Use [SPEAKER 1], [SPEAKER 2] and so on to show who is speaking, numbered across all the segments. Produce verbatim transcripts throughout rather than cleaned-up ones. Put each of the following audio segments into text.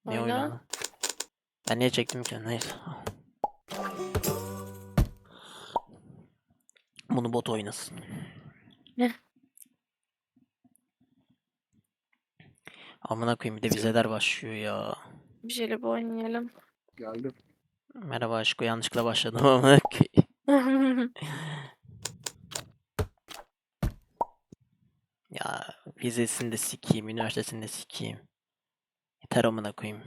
[SPEAKER 1] Ne
[SPEAKER 2] Oyna.
[SPEAKER 1] oyunu lan? Ben niye çektim ki? Neyse. Bunu bot oynasın.
[SPEAKER 2] Ne?
[SPEAKER 1] Amına koyayım bir de vizeler başlıyor ya.
[SPEAKER 2] Bir şeyle bu oynayalım.
[SPEAKER 3] Geldim.
[SPEAKER 1] Merhaba aşkı, yanlışlıkla başladım amına koyayım. Ya vizesini de sikeyim, üniversitesini de sikeyim. Yeter amına koyayım.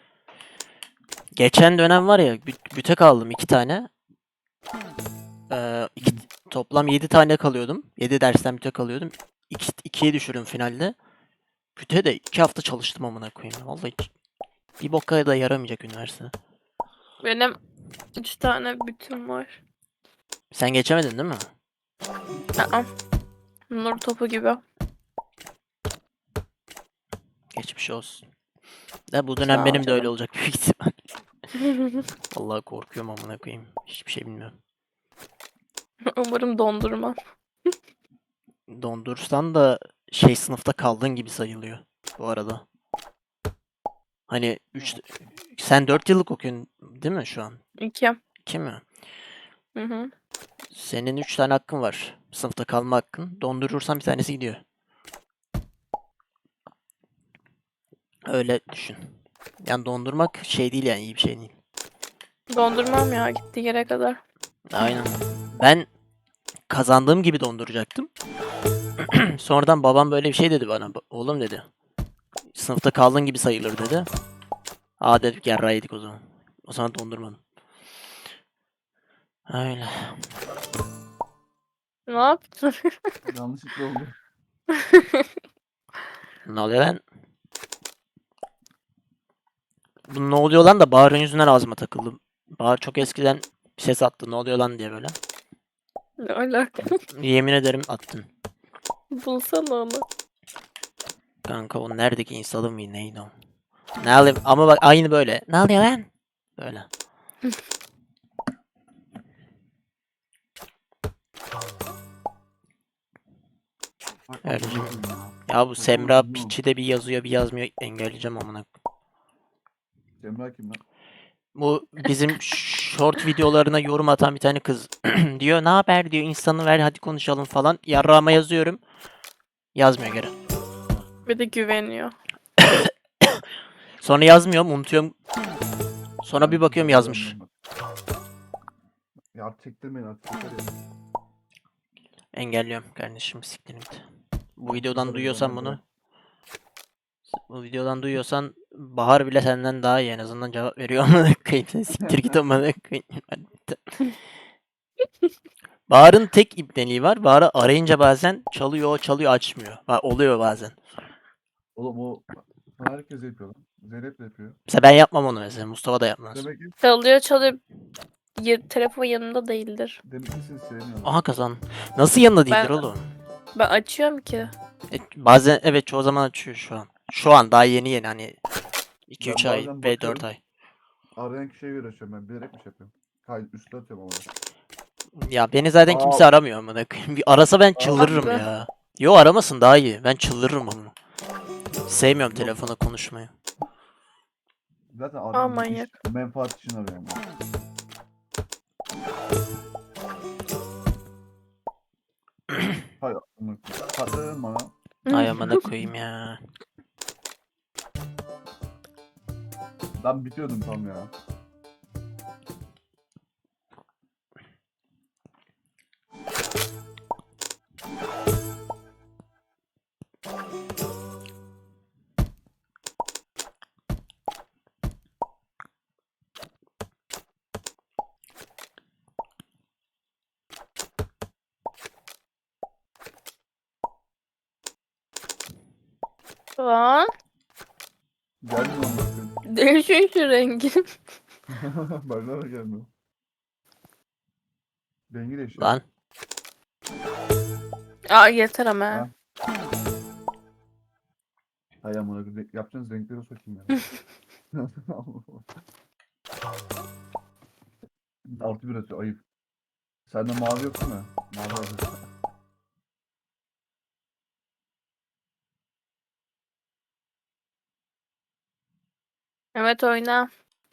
[SPEAKER 1] Geçen dönem var ya bü- büte kaldım iki tane. Ee, iki, toplam yedi tane kalıyordum. Yedi dersten büte kalıyordum. İki, ikiye düşürdüm finalde. Büte de iki hafta çalıştım amına koyayım. Vallahi hiç- bir boka da yaramayacak üniversite.
[SPEAKER 2] Benim üç tane bütüm var.
[SPEAKER 1] Sen geçemedin değil mi?
[SPEAKER 2] Aa, nur topu gibi.
[SPEAKER 1] Geçmiş olsun. Da bu dönem
[SPEAKER 2] Sağ ol
[SPEAKER 1] benim de öyle
[SPEAKER 2] canım.
[SPEAKER 1] olacak büyük ihtimal. Vallahi korkuyorum amına koyayım. Hiçbir şey bilmiyorum.
[SPEAKER 2] Umarım dondurma.
[SPEAKER 1] Dondursan da şey sınıfta kaldığın gibi sayılıyor bu arada. Hani üç sen dört yıllık okuyorsun değil mi şu an?
[SPEAKER 2] İki.
[SPEAKER 1] iki mi?
[SPEAKER 2] Hı hı.
[SPEAKER 1] Senin üç tane hakkın var. Sınıfta kalma hakkın. Dondurursan bir tanesi gidiyor. Öyle düşün. Yani dondurmak şey değil yani iyi bir şey değil.
[SPEAKER 2] Dondurmam ya gitti yere kadar.
[SPEAKER 1] Aynen. Ben kazandığım gibi donduracaktım. Sonradan babam böyle bir şey dedi bana. "Ba- Oğlum dedi. Sınıfta kaldığın gibi sayılır dedi. Aa dedik yarrağıydık o zaman. O zaman dondurmadım. Öyle.
[SPEAKER 2] Ne yaptın?
[SPEAKER 3] Yanlışlıkla oldu.
[SPEAKER 1] Ne oluyor lan? Bu ne oluyor lan da Bahar'ın yüzünden ağzıma takıldı. Bahar çok eskiden bir ses attı. Ne oluyor lan diye böyle.
[SPEAKER 2] Ne alaka?
[SPEAKER 1] Yemin ederim attın.
[SPEAKER 2] Bulsana onu.
[SPEAKER 1] Kanka o neredeki insanı mı neydi o? Ne alayım ama bak aynı böyle. Ne oluyor lan? Böyle.
[SPEAKER 3] Bak,
[SPEAKER 1] Öyle.
[SPEAKER 3] amına koyayım ya.
[SPEAKER 1] Ya bu
[SPEAKER 3] Saçma
[SPEAKER 1] Semra
[SPEAKER 3] sapan
[SPEAKER 1] piçi de bir yazıyor bir yazmıyor. Engelleyeceğim amına.
[SPEAKER 3] Cemre kim lan?
[SPEAKER 1] Bu bizim short videolarına yorum atan bir tane kız diyor. Ne haber diyor. İnsanı ver hadi konuşalım falan. Yarrağıma yazıyorum. Yazmıyor geri.
[SPEAKER 2] Bir de güveniyor.
[SPEAKER 1] Sonra yazmıyorum unutuyorum. Sonra bir
[SPEAKER 3] Ben
[SPEAKER 1] bakıyorum
[SPEAKER 3] kimseye
[SPEAKER 1] yazmış.
[SPEAKER 3] güvenmem bak. Ya artık çektirmeyin artık. Yeter ya.
[SPEAKER 1] Engelliyorum kardeşim siktirin git. Bu
[SPEAKER 3] Ben
[SPEAKER 1] videodan
[SPEAKER 3] kimseye
[SPEAKER 1] duyuyorsan
[SPEAKER 3] güvenmem,
[SPEAKER 1] bunu.
[SPEAKER 3] bırak.
[SPEAKER 1] Bu videodan duyuyorsan Bahar bile senden daha iyi en azından cevap veriyor amına koyayım. Sen siktir git amına koyayım. Bahar'ın tek ibneliği var. Bahar'ı arayınca bazen çalıyor, çalıyor, açmıyor. Ha, oluyor bazen.
[SPEAKER 3] Oğlum o sana herkes yapıyor lan. Zeynep de yapıyor.
[SPEAKER 1] Mesela ben yapmam onu mesela. Mustafa da yapmaz.
[SPEAKER 3] Demek ki
[SPEAKER 2] Çalıyor çalıyor. Ya, telefon yanında değildir.
[SPEAKER 3] demek ki seni sevmiyorlar.
[SPEAKER 1] Aha kazan. Nasıl yanında değildir
[SPEAKER 2] Ben
[SPEAKER 1] oğlum?
[SPEAKER 2] ben açıyorum ki.
[SPEAKER 1] E, bazen evet çoğu zaman açıyor şu an. Şu an daha yeni yeni hani iki üç
[SPEAKER 3] Ben
[SPEAKER 1] ay
[SPEAKER 3] bazen
[SPEAKER 1] ve dört
[SPEAKER 3] bakıyorum.
[SPEAKER 1] ay.
[SPEAKER 3] Arayan kişiye göre açıyorum ben. Bilerek mi şey yapıyorum? Kayıt üstüne atıyorum ama.
[SPEAKER 1] Ya beni zaten
[SPEAKER 3] Aa,
[SPEAKER 1] kimse aramıyor amına koyayım. Bir arasa ben
[SPEAKER 3] aa,
[SPEAKER 1] çıldırırım
[SPEAKER 2] Ah be.
[SPEAKER 1] ya. Yo aramasın daha iyi. Ben çıldırırım onu. Sevmiyorum
[SPEAKER 3] Yok.
[SPEAKER 1] telefona konuşmayı.
[SPEAKER 3] Zaten
[SPEAKER 2] Aa
[SPEAKER 3] arayan iş,
[SPEAKER 2] manyak.
[SPEAKER 3] menfaat için arıyor ama. Hay amına koyayım. Patladın bana.
[SPEAKER 1] Ay amına koyayım ya.
[SPEAKER 3] Ben bitiyordum tam ya.
[SPEAKER 2] Lan
[SPEAKER 3] Gelmiyor amına koyayım.
[SPEAKER 2] değişiyor şu rengi.
[SPEAKER 3] Bana da gelmiyor. Rengi değişiyor.
[SPEAKER 1] Lan.
[SPEAKER 2] Aa yeter ama.
[SPEAKER 3] Ha. Hay amına koyayım. Yapacağınız renkleri sokayım ya. Altı bir atıyor ayıp. Sende mavi yok değil mi? Mavi alacağız.
[SPEAKER 2] Evet oyna.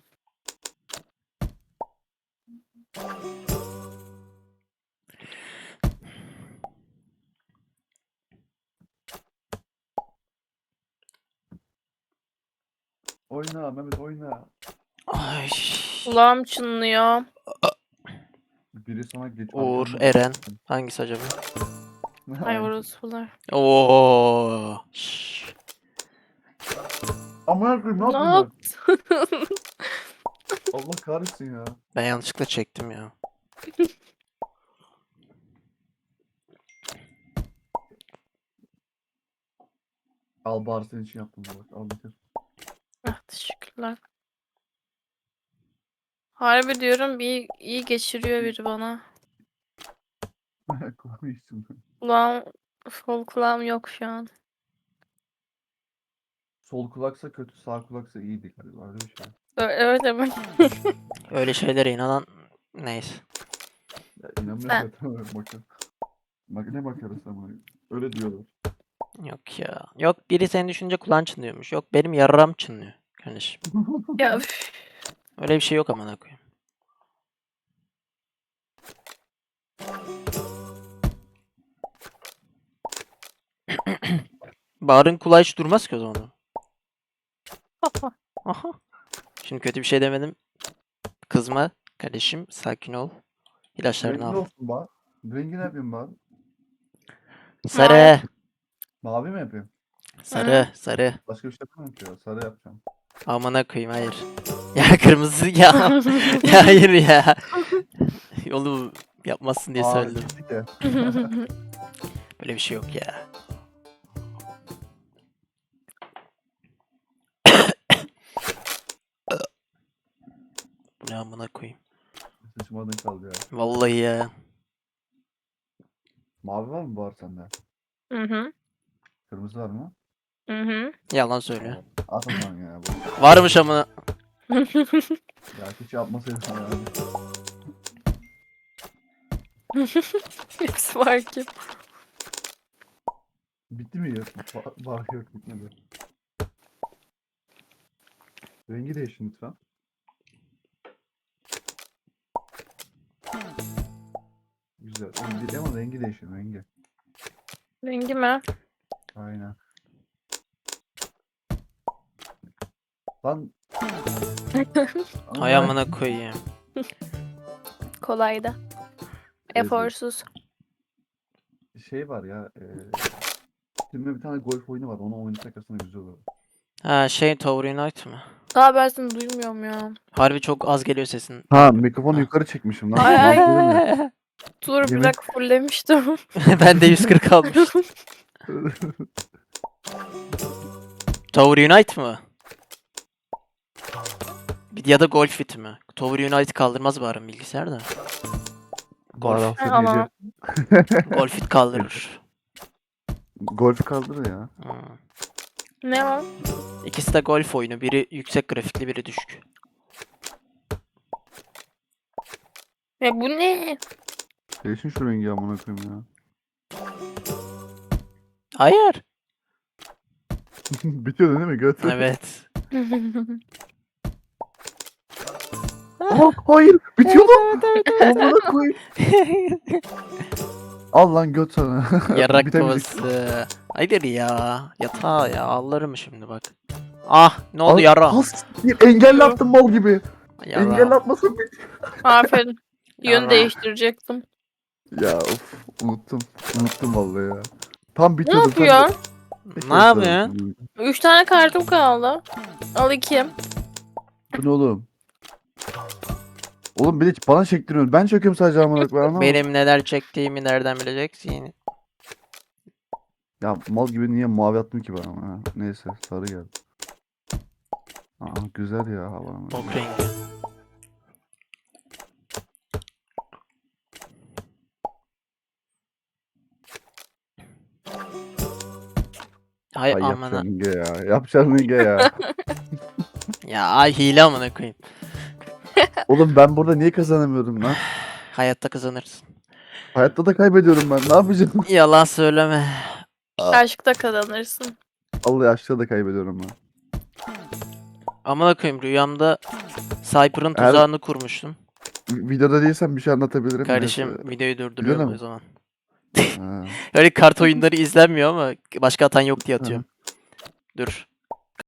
[SPEAKER 3] Oyna Mehmet oyna.
[SPEAKER 1] Ay.
[SPEAKER 2] Kulağım çınlıyor.
[SPEAKER 3] Biri sana geç.
[SPEAKER 1] Uğur,
[SPEAKER 3] arkandan-
[SPEAKER 1] Eren. Hangisi acaba?
[SPEAKER 2] Ay
[SPEAKER 3] Aynen.
[SPEAKER 2] orospular.
[SPEAKER 1] Oo. Şşş.
[SPEAKER 3] Amına koyayım ne
[SPEAKER 2] Ne
[SPEAKER 3] yapıyorsun?
[SPEAKER 2] yaptın?
[SPEAKER 3] Allah kahretsin ya.
[SPEAKER 1] Ben yanlışlıkla çektim ya.
[SPEAKER 3] Al bari senin için yaptım bak. Al bitir.
[SPEAKER 2] Ah teşekkürler. Harbi diyorum iyi, iyi geçiriyor biri bana.
[SPEAKER 3] Koy içsin.
[SPEAKER 2] Kulağım, sol kulağım yok şu an.
[SPEAKER 3] Sol kulaksa kötü, sağ kulaksa iyiydi galiba. Öyle bir şey.
[SPEAKER 2] Ö- Evet evet.
[SPEAKER 1] Öyle şeylere inanan neyse.
[SPEAKER 3] Ya inanmıyorum
[SPEAKER 2] Sen.
[SPEAKER 3] zaten öyle bakın. Bak ne bakarız ama. Öyle diyorlar.
[SPEAKER 1] Yok ya. Yok biri seni düşünce kulağın çınlıyormuş. Yok benim yarram çınlıyor. Kardeşim.
[SPEAKER 2] Ya üf.
[SPEAKER 1] Öyle bir şey yok amına koyayım. Bahar'ın kulağı hiç durmaz ki o zaman. Aha. Şimdi kötü bir şey demedim. Kızma kardeşim. Sakin ol. İlaçlarını
[SPEAKER 3] Rengi
[SPEAKER 1] al.
[SPEAKER 3] olsun bak. Rengi ne yapayım bak?
[SPEAKER 1] Sarı.
[SPEAKER 3] Mavi mi yapayım?
[SPEAKER 1] Sarı. Sarı.
[SPEAKER 3] Başka bir şey yapamam ki ya. Sarı yapacağım.
[SPEAKER 1] Amına koyayım hayır. Ya kırmızı ya. Ya hayır ya. Yolu yapmazsın diye
[SPEAKER 3] Aa
[SPEAKER 1] söyledim.
[SPEAKER 3] gittik ya.
[SPEAKER 1] Böyle bir şey yok ya. Bu ne amına koyayım.
[SPEAKER 3] Sıçmadın kaldı ya.
[SPEAKER 1] Vallahi ya.
[SPEAKER 3] Mavi var mı var sende?
[SPEAKER 2] Hı hı.
[SPEAKER 3] Kırmızı var mı?
[SPEAKER 2] Hı hı.
[SPEAKER 1] Yalan söylüyor.
[SPEAKER 3] At o zaman ya. Bu.
[SPEAKER 1] Varmış amına.
[SPEAKER 3] Ya hiç yapmasaydın ya.
[SPEAKER 2] Hepsi var ki.
[SPEAKER 3] Bitti mi ya? Var, var yok bitmedi. Rengi değişin lütfen. Güzel. Rengi, ama rengi değişin rengi.
[SPEAKER 2] Rengi mi?
[SPEAKER 3] Aynen. Lan.
[SPEAKER 1] Hay amına koyayım.
[SPEAKER 2] Kolaydı.
[SPEAKER 3] Evet.
[SPEAKER 2] Eforsuz.
[SPEAKER 3] Şey var ya. E, filmde bir tane golf oyunu var. Onu oynasak aslında güzel olur.
[SPEAKER 1] Ha şey Tower Unite mı?
[SPEAKER 2] Daha ben seni duymuyorum ya.
[SPEAKER 1] Harbi çok az geliyor sesin.
[SPEAKER 3] Ha mikrofonu
[SPEAKER 1] Ha.
[SPEAKER 3] yukarı çekmişim lan.
[SPEAKER 2] Ay, ay.
[SPEAKER 3] Lan
[SPEAKER 2] Dur bir
[SPEAKER 3] Yemek-
[SPEAKER 2] dakika fulllemiştim.
[SPEAKER 1] Ben de yüz kırk almıştım. Tower Unite mı? Bir- Ya da Golf Fit mi? Tower Unite kaldırmaz bari bilgisayarda. Golf.
[SPEAKER 3] Golf.
[SPEAKER 2] Ama
[SPEAKER 1] Golf Fit kaldırır.
[SPEAKER 3] Golf kaldırır ya.
[SPEAKER 1] Hmm.
[SPEAKER 2] ne var?
[SPEAKER 1] İkisi de golf oyunu. Biri yüksek grafikli, biri düşük.
[SPEAKER 2] Ya bu ne?
[SPEAKER 3] Değişin şu rengi amına koyayım ya.
[SPEAKER 1] Hayır.
[SPEAKER 3] Bitiyor değil mi göt?
[SPEAKER 1] Evet.
[SPEAKER 3] Aa, hayır bitiyor lan. Amına koyayım. Al lan göt sana.
[SPEAKER 1] Yarak
[SPEAKER 3] Bitemeyecek.
[SPEAKER 1] babası. Hayır ya. Yatağa ya. Ağlarım şimdi bak. Ah ne oldu
[SPEAKER 3] Al-
[SPEAKER 1] yara?
[SPEAKER 3] Has, bir engelle attım mal gibi.
[SPEAKER 1] Yara.
[SPEAKER 3] Engelle atmasın bir.
[SPEAKER 2] Aferin. Yön
[SPEAKER 1] Yara.
[SPEAKER 2] değiştirecektim.
[SPEAKER 3] Ya of unuttum. Unuttum vallahi ya. Tam
[SPEAKER 2] Ne
[SPEAKER 3] bitiyordu. tam-
[SPEAKER 2] yapıyorsun?
[SPEAKER 3] Peki,
[SPEAKER 1] Ne yapıyorsun?
[SPEAKER 2] Üç tane kartım kaldı. Al iki.
[SPEAKER 3] Bu ne oğlum? Oğlum bir de bana çektiriyorsun. Ben çekiyorum sadece amına koyayım. anlamadım.
[SPEAKER 1] Benim neler çektiğimi nereden bileceksin?
[SPEAKER 3] Ya mal gibi niye mavi attın ki bana? Ha? Neyse sarı geldi. Aa güzel ya hava.
[SPEAKER 1] Bok rengi. Hay
[SPEAKER 3] Ay
[SPEAKER 1] amına.
[SPEAKER 3] yapacaksın Ege ya. Yapacaksın Ege ya.
[SPEAKER 1] Ya ay hile amına koyayım.
[SPEAKER 3] Oğlum ben burada niye kazanamıyorum lan?
[SPEAKER 1] Hayatta kazanırsın.
[SPEAKER 3] Hayatta da kaybediyorum ben. Ne yapacağım?
[SPEAKER 1] Yalan söyleme.
[SPEAKER 2] Aşkta kazanırsın.
[SPEAKER 3] Allah aşkta da kaybediyorum ben.
[SPEAKER 1] Amına koyayım rüyamda Cypher'ın
[SPEAKER 3] Her-
[SPEAKER 1] tuzağını kurmuştum.
[SPEAKER 3] Videoda değilsen bir şey anlatabilirim.
[SPEAKER 1] Kardeşim
[SPEAKER 3] Neyse.
[SPEAKER 1] videoyu durduruyorum
[SPEAKER 3] mi?
[SPEAKER 1] o zaman.
[SPEAKER 3] Ha.
[SPEAKER 1] Öyle kart oyunları izlenmiyor ama başka atan yok diye atıyorum. Dur.